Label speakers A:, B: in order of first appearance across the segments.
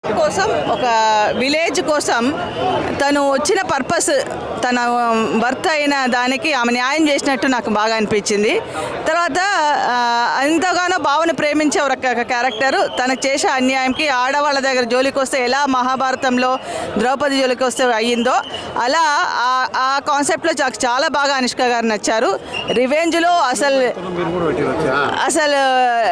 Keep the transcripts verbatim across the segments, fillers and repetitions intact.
A: కోసం ఒక విలేజ్ కోసం తను వచ్చిన పర్పస్ తన భర్త అయిన దానికి ఆమె న్యాయం చేసినట్టు నాకు బాగా అనిపించింది. తర్వాత ఎంతగానో భావన ప్రేమించే ఒక క్యారెక్టర్ తనకు చేసే అన్యాయంకి ఆడవాళ్ళ దగ్గర జోలికి వస్తే ఎలా మహాభారతంలో ద్రౌపది జోలికి వస్తే అయ్యిందో అలా ఆ కాన్సెప్ట్లో నాకు చాలా బాగా అనుష్క గారు నచ్చారు. రివెంజ్లో అసలు అసలు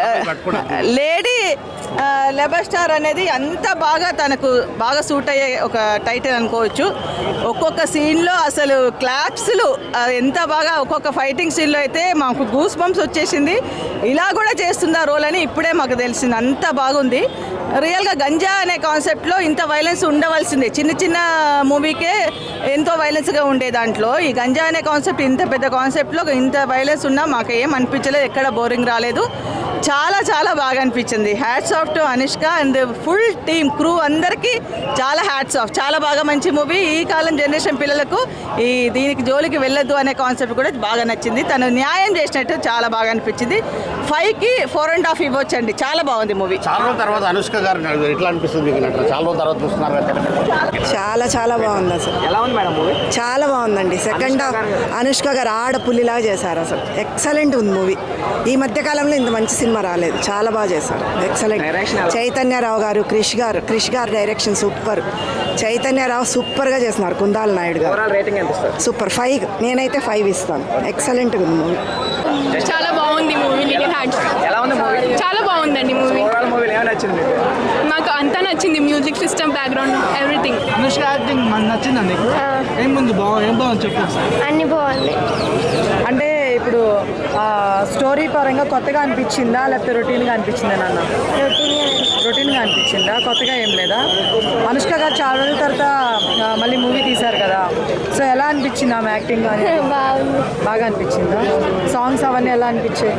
A: లేడీ లెబర్ స్టార్ అనేది అంత బాగా తనకు బాగా సూట్ అయ్యే ఒక టైటిల్ అనుకోవచ్చు. ఒక్కొక్క సీన్లో అసలు క్లాప్స్లు ఎంత బాగా ఒక్కొక్క ఫైటింగ్ సీన్లో అయితే మాకు గూస్ బంప్స్ వచ్చేసింది. ఇలా కూడా చేస్తుందా రోల్ అని ఇప్పుడే మాకు తెలిసింది. అంత బాగుంది. రియల్గా గంజా అనే కాన్సెప్ట్లో ఇంత వైలెన్స్ ఉండవలసిందే. చిన్న చిన్న మూవీకే ఎంతో వైలెన్స్గా ఉండే దాంట్లో ఈ గంజా అనే కాన్సెప్ట్ ఇంత పెద్ద కాన్సెప్ట్లో ఇంత వైలెన్స్ ఉన్నా మాకు ఏం అనిపించలేదు. ఎక్కడ బోరింగ్ రాలేదు. చాలా చాలా బాగా అనిపించింది. Hats off to Anushka and full team crew అందరికీ చాలా హ్యాట్స్ ఆఫ్. చాలా బాగా మంచి మూవీ. ఈ కాలం జనరేషన్ పిల్లలకు ఈ దీనికి జోలికి వెళ్ళొద్దు అనే కాన్సెప్ట్ కూడా బాగా నచ్చింది. తను న్యాయం చేసినట్టు చాలా బాగా అనిపించింది. ఫైవ్కి ఫోర్ అండ్ హాఫ్ ఇవ్వచ్చు అండి. చాలా బాగుంది మూవీ.
B: చాలా రోజుల తర్వాత అనుష్క గారు ఎట్లా అనిపిస్తుంది? చాలా రోజుల తర్వాత చూస్తున్నారు.
C: చాలా చాలా బాగుంది. అసలు
D: ఎలా ఉంది మేడం మూవీ?
C: చాలా బాగుందండి. సెకండ్ హాఫ్ అనుష్క గారు ఆడపుల్లిలాగా చేశారు. అసలు ఎక్సలెంట్ ఉంది మూవీ. ఈ మధ్యకాలంలో ఇంత మంచి సినిమా రాలేదు. చాలా బాగా చేశారు. ఎక్సలెంట్. చైతన్యరావు గారు, క్రిష్ గారు క్రిష్ గారు డైరెక్షన్ సూపర్. చైతన్యరావు సూపర్గా చేస్తున్నారు. కుందాల నాయుడు గారు సూపర్. ఫైవ్ నేనైతే ఫైవ్ ఇస్తాను. ఎక్సలెంట్ ఉంది మూవీ.
E: చాలా బాగుంది మూవీ. లిటిల్ హ్యాండ్స్
D: ఎలా ఉంది మూవీ?
E: చాలా బాగుందండి మూవీ.
D: ఓవరాల్ మూవీ ఏమైనా నచ్చింది?
E: నాకు అంతా నచ్చింది. Music system, background, everything.
F: Anushka acting మనకు నచ్చిందండి. ఏం ముందు బాగుంది, ఏం బాగుంది చెప్పు.
G: అన్ని బాగుంది.
H: అంటే ఇప్పుడు స్టోరీ పరంగా కొత్తగా అనిపించిందా లేకపోతే రొటీన్గా అనిపించిందా నాన్న? రొటీన్గా అనిపించిందా? కొత్తగా ఏం లేదా? అనుష్క గారు చాలా రోజుల తర్వాత మళ్ళీ మూవీ తీశారు కదా, సో ఎలా అనిపించింది ఆమె యాక్టింగ్?
G: బాగుంది.
H: బాగా అనిపించిందా? సాంగ్స్ అవన్నీ ఎలా అనిపించాయి?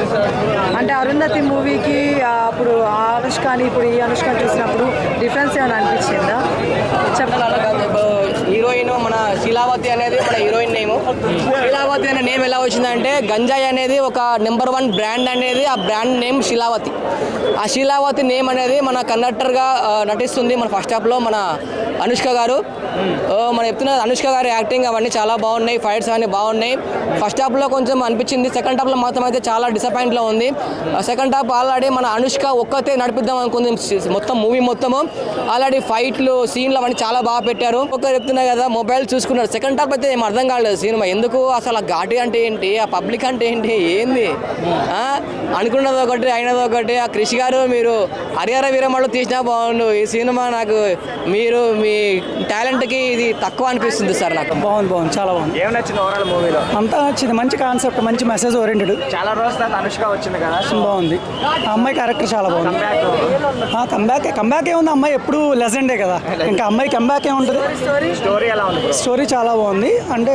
H: అంటే అరుంధతి మూవీకి అప్పుడు ఆ అనుష్కని ఇప్పుడు ఈ అనుష్కని చూసినప్పుడు డిఫరెన్స్ ఏమైనా అనిపించిందా?
D: చెప్పాలి. హీరోయిన్ మన శీలావతి అనేది మన హీరోయిన్ నేమ్. శీలావతి అనే నేమ్ ఎలా వచ్చిందంటే గంజాయి అనేది ఒక నెంబర్ వన్ బ్రాండ్ అనేది, ఆ బ్రాండ్ నేమ్ శీలావతి. ఆ శీలావతి నేమ్ అనేది మన కండక్టర్గా నటిస్తుంది మన ఫస్ట్ హాఫ్లో మన అనుష్క గారు. మనం చెప్తున్న అనుష్క గారి యాక్టింగ్ అవన్నీ చాలా బాగున్నాయి. ఫైట్స్ అవన్నీ బాగున్నాయి. ఫస్ట్ హాఫ్లో కొంచెం అనిపించింది. సెకండ్ హాఫ్లో మాత్రం అయితే చాలా డిసప్పాయింట్లో ఉంది. సెకండ్ హాఫ్ ఆల్రెడీ మన అనుష్క ఒక్కతే నడిపిద్దాం అనుకుంది మొత్తం మూవీ మొత్తము. ఆల్రెడీ ఫైట్లు సీన్లు అవన్నీ చాలా బాగా పెట్టారు. ఒక చెప్తున్నా కదా, మొబైల్ చూసుకున్నారు. సెకండ్ హాఫ్ అయితే ఏం అర్థం కాలేదు సినిమా. ఎందుకు అసలు ఆ ఘాటి అంటే ఏంటి, ఆ పబ్లిక్ అంటే ఏంటి, ఏంది అనుకున్నది ఒకటి అయినది ఒకటి. ఆ క్రిష్ గారు మీరు హరిహర వీరమళ్ళు తీసినా బాగుండు. ఈ సినిమా నాకు మీరు మీ టాలెంట్కి ఇది తక్కువ అనిపిస్తుంది సార్. నాకు
F: బాగుంది బాగుంది చాలా బాగుంది.
D: ఏం నచ్చింది ఓవరాల్ మూవీలో?
F: అంతా నచ్చింది. మంచి కాన్సెప్ట్, మంచి మెసేజ్ ఓరియంటెడ్.
D: చాలా రోజుల తర్వాత అనుష్క వచ్చింది కదా,
F: బాగుంది. ఆ అమ్మాయి క్యారెక్టర్ చాలా బాగుంది. కంబ్యాక్ కంబ్యాక్ ఏముంది, అమ్మాయి ఎప్పుడు లెజెండే కదా, ఇంకా అమ్మాయి కంబ్యాక్ ఏముంటుంది.
D: స్టోరీ ఎలా ఉంది?
F: స్టోరీ చాలా బాగుంది. అంటే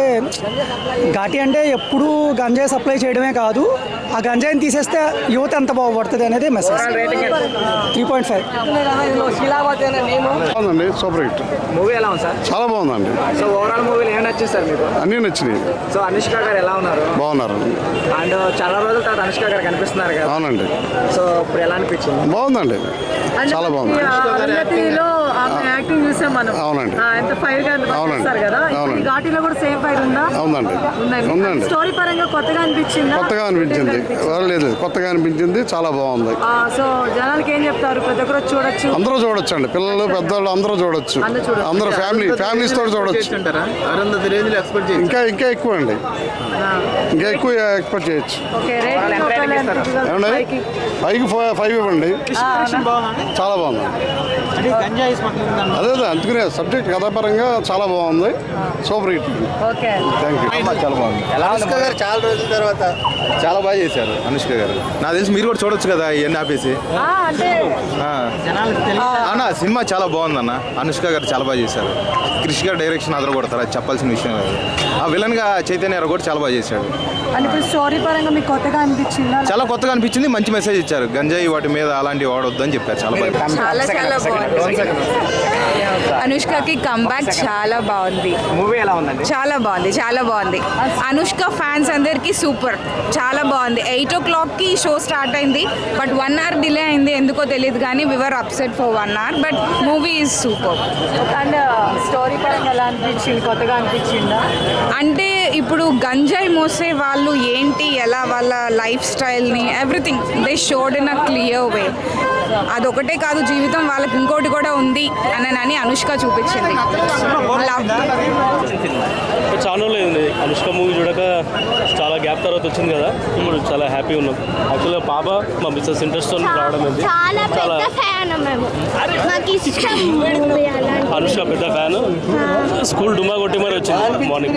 F: ఘాటి అంటే ఎప్పుడు గంజాయి సప్లై చేయడమే కాదు, ఆ గంజాయిని తీసేస్తే యువత ఎంత బాగుపడుతుంది అనేది message. Three point five.
D: Sheelavathi అనే నేమ్
B: బాగుందండి. సూపర్ హిట్
D: మూవీ ఎలా ఉంది సార్?
B: చాలా బాగుందండి.
D: సో ఓవరాల్ మూవీలో ఏం నచ్చింది సార్ మీకు?
B: అన్నీ నచ్చినాయి.
D: సో అనుష్క గారు ఎలా ఉన్నారు?
B: బాగున్నారు.
D: అండ్ చాలా రోజుల తర్వాత అనుష్క గారు కనిపిస్తున్నారు కదా.
B: అవునండి.
D: సో ఇప్పుడు ఎలా అనిపించింది?
B: బాగుందండి. చాలా బాగుంది.
H: అరుంధతిలో ఆమె యాక్టింగ్ చూసాం మనం.
B: అవునండి.
H: ఎంత ఫైర్ గా చేస్తారు కదా, ఇప్పుడు ఈ ఘాటీలో కూడా సేమ్ ఫైర్ ఉందా?
B: అవునండి. ఉందండి.
H: స్టోరీ పరంగా కొత్తగా అనిపించిందా?
B: కొత్తగా అనిపించింది. లేదు కొత్తగా అనిపించింది. చాలా బాగుంది.
H: సో జనాలకి ఏం చెప్తారు? ప్రతి ఒక్కరు చూడొచ్చు.
B: అందరూ చూడొచ్చు అండి. పిల్లలు పెద్దవాళ్ళు అందరూ చూడొచ్చు. అందరూ ఫ్యామిలీ ఫ్యామిలీస్ తోటి చూడొచ్చు. ఇంకా ఇంకా ఎక్కువ అండి. ఇంకా ఎక్కువ ఎక్స్పెక్ట్ చేయొచ్చు. ఏమండి ఫైవ్కి ఫైవ్ ఇవ్వండి. చాలా బాగుంది. అదే అదే అందుకునే సబ్జెక్ట్ కథాపరంగా చాలా బాగుంది. Super hit. Thank you. చాలా బాగుంది.
I: అనుష్క గారు చాలా రోజుల తర్వాత చాలా బాగా చేశారు. అనుష్క గారు నాకు తెలిసి మీరు కూడా చూడొచ్చు కదా ఇవన్నీ ఆపేసి. అన్న సినిమా చాలా బాగుంది అన్న. అనుష్క గారు చాలా బాగా చేశారు. క్రిష్ గారు డైరెక్షన్ అదర కొడతారు, అది చెప్పాల్సిన విషయం లేదు. ఆ విలన్ గా చైతన్య కూడా చాలా బాగా చేశాడు.
H: స్టోరీ పరంగా మీకు కొత్తగా అనిపించిందా?
I: చాలా కొత్తగా అనిపించింది. మంచి మెసేజ్ ఇచ్చారు. గంజాయి వాటి మీద అలాంటివి వాడొద్దు అని చెప్పారు. చాలా బాగా
A: చాలా చాలా బాగుంది.
G: అనుష్కకి కంబ్యాక్ చాలా బాగుంది.
D: మూవీ ఎలా ఉందండి?
G: చాలా బాగుంది, చాలా బాగుంది. అనుష్క ఫ్యాన్స్ అందరికీ సూపర్, చాలా బాగుంది. ఎయిట్ ఓ క్లాక్కి షో స్టార్ట్ అయింది, బట్ వన్ అవర్ డిలే అయింది, ఎందుకో తెలియదు కానీ viewer upset for one hour, but movie is super.
H: And story పరంగా ఎలా అనిపించింది? కొత్తగా అనిపించిందా?
G: అంటే ఇప్పుడు గంజాయి మోసే వాళ్ళు ఏంటి, ఎలా వాళ్ళ లైఫ్ స్టైల్ని everything they showed in a clear way. అదొకటే కాదు, జీవితం వాళ్ళకి ఇంకోటి కూడా ఉంది అని అని అనుష్క చూపించింది. లవ్
J: చాలా లేదు అనుష్క మూవీ చూడక చాలా గ్యాప్ తర్వాత వచ్చింది కదా, ఇప్పుడు చాలా హ్యాపీ ఉన్నాం. యాక్చువల్గా పాప మా బిజినెస్ ఇంట్రెస్ట్ రావడం ఉంది.
K: చాలా పెద్ద ఫ్యాన్ మేము, నాకు ఇష్టం మూవీ అలాంటి.
J: అనుష్క పెద్ద ఫ్యాన్, స్కూల్ డుమా కొట్టి మరి వచ్చింది మార్నింగ్.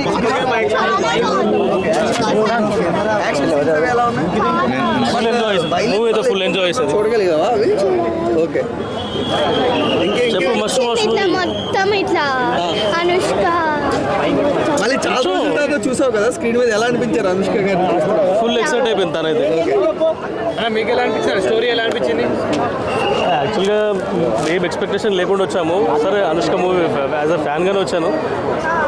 J: ఫుల్ ఎంజాయ్ మూవీ అయితే ఫుల్ ఎంజాయ్ చేస్తుంది.
D: చూడగలిగావా అవి? ఓకే, చెప్పు. మస్తు మస్తు
K: ఇట్లా మొత్తం ఇట్లా అనుష్క
D: మళ్ళీ చాలా రోజుల తర్వాత చూసావు కదా స్క్రీన్ మీద, ఎలా అనిపించారు అనుష్క గారు?
J: ఫుల్ ఎక్సైట్ అయిపోయింది తనైతే.
D: మీకు ఎలా అనిపించారు? స్టోరీ ఎలా అనిపించింది?
J: యాక్చువల్గా ఏం ఎక్స్పెక్టేషన్ లేకుండా వచ్చాము. సరే అనుష్క మూవీ యాజ్ అ ఫ్యాన్గానే వచ్చాను.